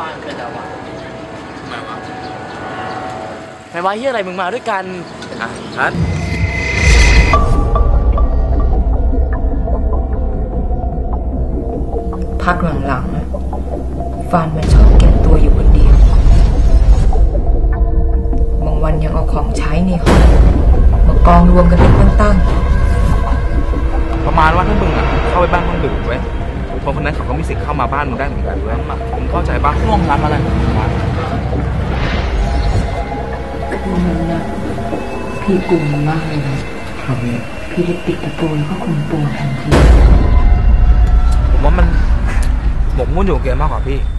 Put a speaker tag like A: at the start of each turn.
A: บ้านเกิดแล้ววะ
B: ทำไมวะ
A: ไม่ว่าเฮียอะไรมึงมาด้วยกัน
B: ทัด
C: พักหลังๆฟานมันชอบเก็บตัวอยู่คนเดียวบางวันยังเอาของใช้ในห้องมากองรวมกันเป็นตั้ง
B: ประมาณว่าถ้ามึงเข้าไปบ้านมึงดื่มเว้ยคนคนนั้นเขาก็มีสิทธิ์เข้ามาบ้านมึงได้เหมือนกันเว้ยมึงเข้าใจปะ
A: ร่วมรับอะไรของมึงวะ
C: คืนนั้นนะพี่กลุ่มมากเลยนะพี่ได้ปิดประตูแล้วก็คุมตัวทันที
B: ผมว่ามันหมกมุ่นอยู่กับเกมมากกว่าพี่